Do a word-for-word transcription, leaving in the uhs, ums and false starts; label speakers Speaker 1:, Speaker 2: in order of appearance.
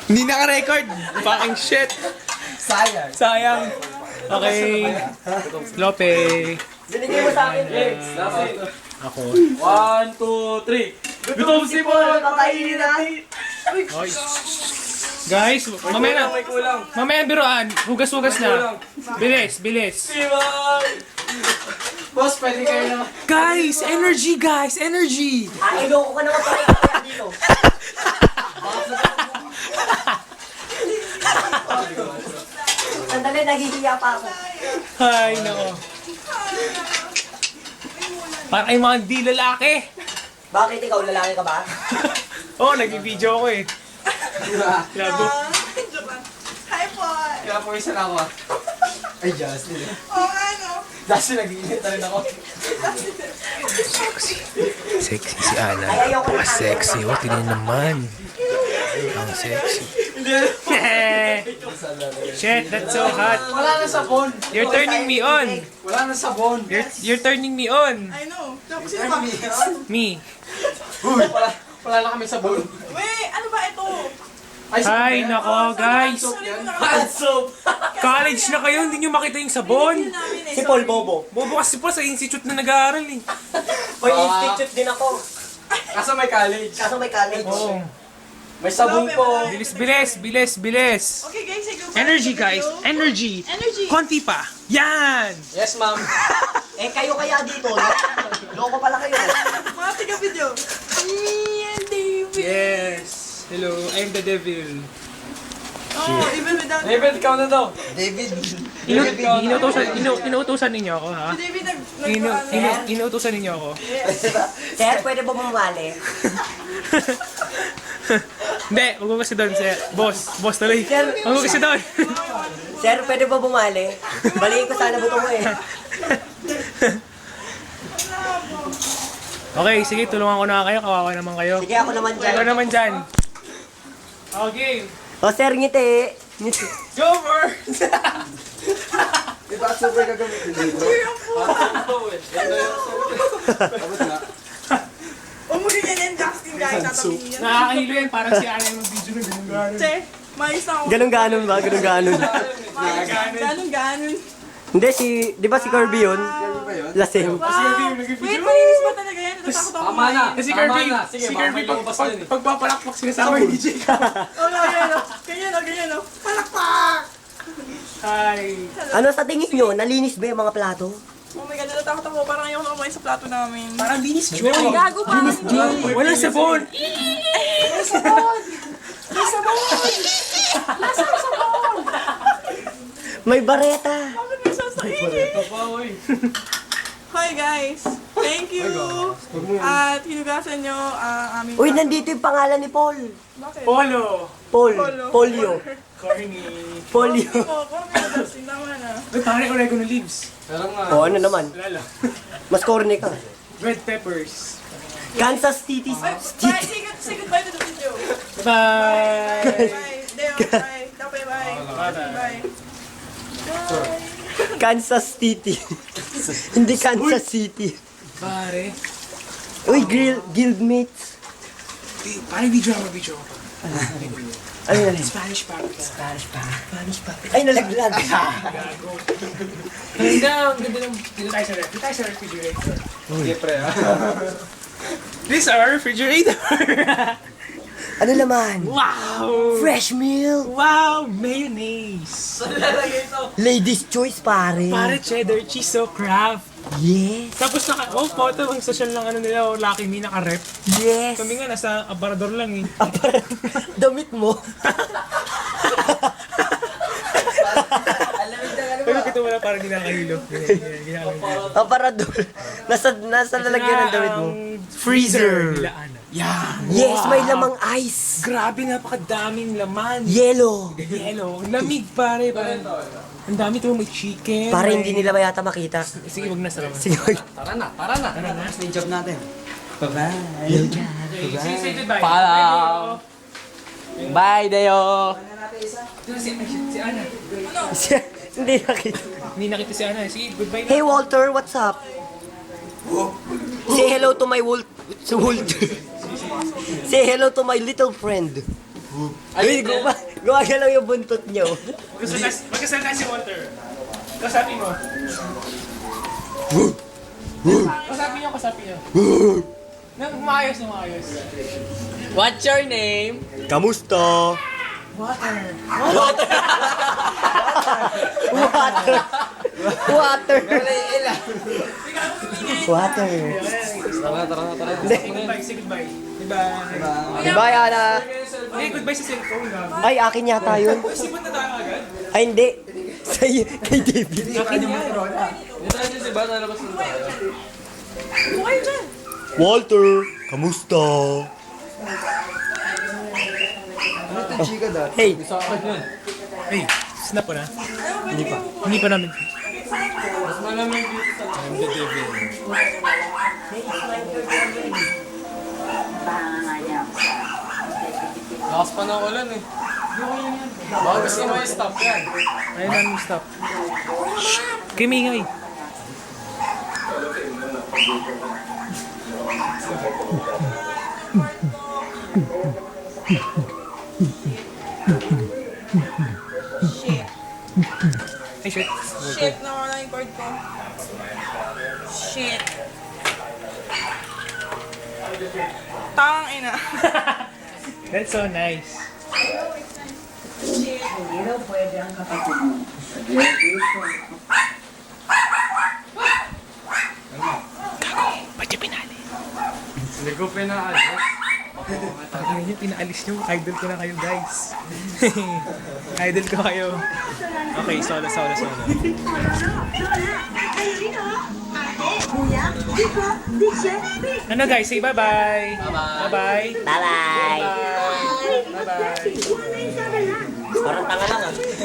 Speaker 1: Hindi naka-record. Fucking shit.
Speaker 2: Sayang.
Speaker 1: Sayang. Okay. Lope.
Speaker 2: Binigay mo sa akin, Lex.
Speaker 1: Ako.
Speaker 3: One, two, three. Gutom si Paul!
Speaker 2: Patayin natin.
Speaker 1: Oy. Guys, mamaya na.
Speaker 3: May kulang.
Speaker 1: Mamaya biruan. Hugas-hugas na. Bilis, bilis.
Speaker 2: Boss, pwede kayo naman.
Speaker 1: Guys, energy guys, energy.
Speaker 2: Ah, iloko ka naman pala kaya dito. Sandali, naghihiya pa ako.
Speaker 1: Hay, nako. Parang ay mga di lalaki.
Speaker 2: Bakit ikaw, lalaki ka ba?
Speaker 1: Oo, oh, nag-video ako eh. Labo.
Speaker 4: Hi, Paul!
Speaker 2: Kaya po isa na ako ah. Ay, Justin.
Speaker 4: Oo nga, no?
Speaker 2: Justin, nag-iinit na rin ako.
Speaker 1: Sexy si Ana.
Speaker 2: Ay, ayoko na.
Speaker 1: Sexy. Oh, tingnan naman. Ang sexy. Shit, that's so hot.
Speaker 2: Wala na sabon.
Speaker 1: You're turning me on.
Speaker 2: Wala na sabon.
Speaker 1: You're, you're turning me on.
Speaker 4: I know. Tapos sino ba?
Speaker 1: Me.
Speaker 2: Uy, wala, wala na kami sabon.
Speaker 4: Wait, ano ba ito?
Speaker 1: Ay, nako, guys.
Speaker 4: Sorry ko na.
Speaker 2: Hand soap.
Speaker 1: College na kayo, hindi nyo makita yung sabon.
Speaker 4: Hindi namin eh.
Speaker 2: Si Paul Bobo.
Speaker 1: Bobo kasi po sa institute na nag-aaral eh.
Speaker 2: May institute din ako.
Speaker 3: Kaso may college.
Speaker 2: Kaso may college.
Speaker 1: Oo.
Speaker 2: May sabon po.
Speaker 1: Bilis, bilis, bilis, bilis.
Speaker 4: Okay guys, say goodbye.
Speaker 1: Energy,
Speaker 4: to the
Speaker 1: guys.
Speaker 4: video.
Speaker 1: Energy.
Speaker 4: Energy.
Speaker 1: Konti pa. Yan.
Speaker 2: Yes, ma'am. Eh, kayo kaya dito. Loko pala kayo.
Speaker 4: Mga tiga-video. Me and David.
Speaker 1: Yes. Hello, I'm the devil.
Speaker 4: Oh, even without...
Speaker 3: David, ikaw na daw.
Speaker 2: David.
Speaker 1: Inu inuutosan, inu inuutosan ninyo ako, ha?
Speaker 4: Si David nag... nag
Speaker 1: Inu
Speaker 4: ano,
Speaker 1: inu inuutosan ninyo ako.
Speaker 2: Sir, pwede ba bumali?
Speaker 1: Hindi, huwag mo kasi doon, sir. Boss, boss tuloy. Huwag mo kasi doon.
Speaker 2: Sir, pwede ba bumali? Balikin ko sana buto mo eh.
Speaker 1: Okay, sige, tulungan ko na kayo. Kawawa naman kayo.
Speaker 2: Sige, ako naman dyan.
Speaker 1: Ikaw naman dyan. Okay.
Speaker 2: O, sir, ngiti. Ngiti.
Speaker 1: Go first!
Speaker 2: Diba, super gagamitin dito?
Speaker 4: Umuli yan yan, Justin guys. Tatabihin yan.
Speaker 1: Nakakahilo yan. Parang si Ana yung video na ganun gano'n.
Speaker 4: Che, mais na ako.
Speaker 2: Ganun-ganon ba? Ganun-ganon.
Speaker 4: Mais. Ganon, ganon.
Speaker 2: Hindi, si... Di ba si Kirby yun? Lasing.
Speaker 4: Wow. Wait, malinis ba talaga yan? Natatakot ako.
Speaker 3: Tama na.
Speaker 1: Kasi
Speaker 3: Tama
Speaker 1: Kirby,
Speaker 3: na. Sige,
Speaker 1: si
Speaker 3: baka
Speaker 1: Kirby,
Speaker 3: may
Speaker 1: pag,
Speaker 3: lumabas
Speaker 1: pag,
Speaker 3: na yun eh.
Speaker 1: pagpapalakpak sinasama yung D J ka.
Speaker 4: Oh, no, ganyan o. Ganyan o, ganyan o. Palakpak!
Speaker 1: Hi.
Speaker 2: Ano sa tingin nyo? Nalinis ba yung mga plato?
Speaker 4: Oh my God, natatakot ako. Parang ayaw ko kumain sa plato namin.
Speaker 1: Parang linis, Joy.
Speaker 4: Gago pa.
Speaker 1: Walang sabon.
Speaker 2: May bareta.
Speaker 4: Bakit may sasaingin? Hi guys! Thank you! At hinugasan nyo ang aming...
Speaker 2: Uy, nandito yung pangalan ni Paul.
Speaker 4: Bakit?
Speaker 1: Polo.
Speaker 2: Paul.
Speaker 4: Polo.
Speaker 2: Polio.
Speaker 1: Corny.
Speaker 2: Polio.
Speaker 4: Oh, parang may Justin. Tama na.
Speaker 1: Uy, parang oregano leaves.
Speaker 3: Pero nga.
Speaker 2: O, ano naman?
Speaker 1: Lala.
Speaker 2: Mas corny ka.
Speaker 1: Red peppers.
Speaker 2: Kansas City.
Speaker 4: Bye! Bye! Say, good, say goodbye to the video!
Speaker 1: Bye.
Speaker 4: Bye! Deo, bye! Dape, bye! Bye! Bye!
Speaker 2: Kansas City. Hindi Kansas City.
Speaker 1: Pare.
Speaker 2: Uy, grill, guildmates.
Speaker 1: Di, parang video ako, video ako.
Speaker 2: Ano na rin?
Speaker 1: Spanish paprika.
Speaker 2: Spanish pa. Spanish pa. Ay, nalaglag.
Speaker 1: Gago. Ang ganda, ang ganda ng... Dito tayo sa ref. Dito tayo sa refrigerator.
Speaker 3: Sige, pre. ah.
Speaker 1: This is our refrigerator.
Speaker 2: Ano naman?
Speaker 1: Wow.
Speaker 2: Fresh milk.
Speaker 1: Wow, mayonnaise.
Speaker 2: Ladies' choice, pare.
Speaker 1: Pare cheddar cheese so craft.
Speaker 2: Yes.
Speaker 1: Tapos naka, oh, photo, ang social lang ano nila, oh, Lucky Me, naka-rep.
Speaker 2: Yes.
Speaker 1: Kami nga, nasa aparador lang eh.
Speaker 2: Ah, parang damit mo.
Speaker 1: Pero kita wala parang ginakahilo. Ginakahilo.
Speaker 2: Aparador. Nasa, nasa lalagyan ng damit mo.
Speaker 1: Freezer. Nila Ana. Yeah.
Speaker 2: Yes, may lamang ice.
Speaker 1: Grabe, napakadaming laman.
Speaker 2: Yellow.
Speaker 1: Yellow. Ang lamig, pare. Parang, ang dami ito, may chicken.
Speaker 2: Para
Speaker 1: may-
Speaker 2: hindi nila mayata makita.
Speaker 1: Sige, wag na sa laman.
Speaker 2: Sige, wag.
Speaker 3: Tara na, tara na. Tara na. Yung job natin. Bye-bye.
Speaker 1: Okay, sige, say goodbye.
Speaker 3: Paalam. Bye, Deo.
Speaker 1: Dito si, si Ana.
Speaker 2: Siya- Hindi nakita.
Speaker 1: Hindi nakita si Ana. Sige, goodbye na.
Speaker 2: Hey, Walter, what's up? Say hello to my Wal... To Walter. Say hello to my little friend. Ay, gumawa. Gumagalaw yung buntot niyo.
Speaker 1: Magkasalita magkasalita si Walter. Kasapin mo. Kasapin niyo, kasapin niyo. Nang maayos na maayos.
Speaker 3: What's your name?
Speaker 2: Kamusta?
Speaker 4: Water.
Speaker 2: Water. Water. Water. Water.
Speaker 3: Tara na, tara na, tara na.
Speaker 2: Hindi.
Speaker 1: Say goodbye, say goodbye. Goodbye.
Speaker 2: Bye, Ana.
Speaker 1: Hey, goodbye sa cellphone na.
Speaker 2: Ay, akin yata yun.
Speaker 1: Sipot na tayo agad.
Speaker 2: Ay, hindi. Sa kay David.
Speaker 1: Akin yan.
Speaker 3: Dito tayo si Bata, labas na tayo.
Speaker 4: Buhay dyan.
Speaker 2: Walter, kamusta? Hey,
Speaker 3: Sa akin yun.
Speaker 1: Hey, snap ko na.
Speaker 4: Hindi pa.
Speaker 1: Hindi pa namin.
Speaker 3: Mas malamig dito sa I'm the devil. Lakas pa ng ulan eh. Baka gusto mo yung stop yan.
Speaker 1: Ayun namin stop. Kimingay.
Speaker 4: Shit.
Speaker 1: Hey, shit.
Speaker 4: Shit, nawala yung cord ko. Shit. Tang ina.
Speaker 1: That's so nice. Ba't yung pinali?
Speaker 3: Hindi ko pinaalis.
Speaker 1: Pag yun yung pinaalis nyo, idol ko na kayo guys. Idol ko kayo. Okay, solo, solo, solo. Ano guys, say bye-bye. Bye-bye.
Speaker 2: bye-bye.
Speaker 1: Bye-bye. Bye-bye.
Speaker 2: Parang tanga lang ah.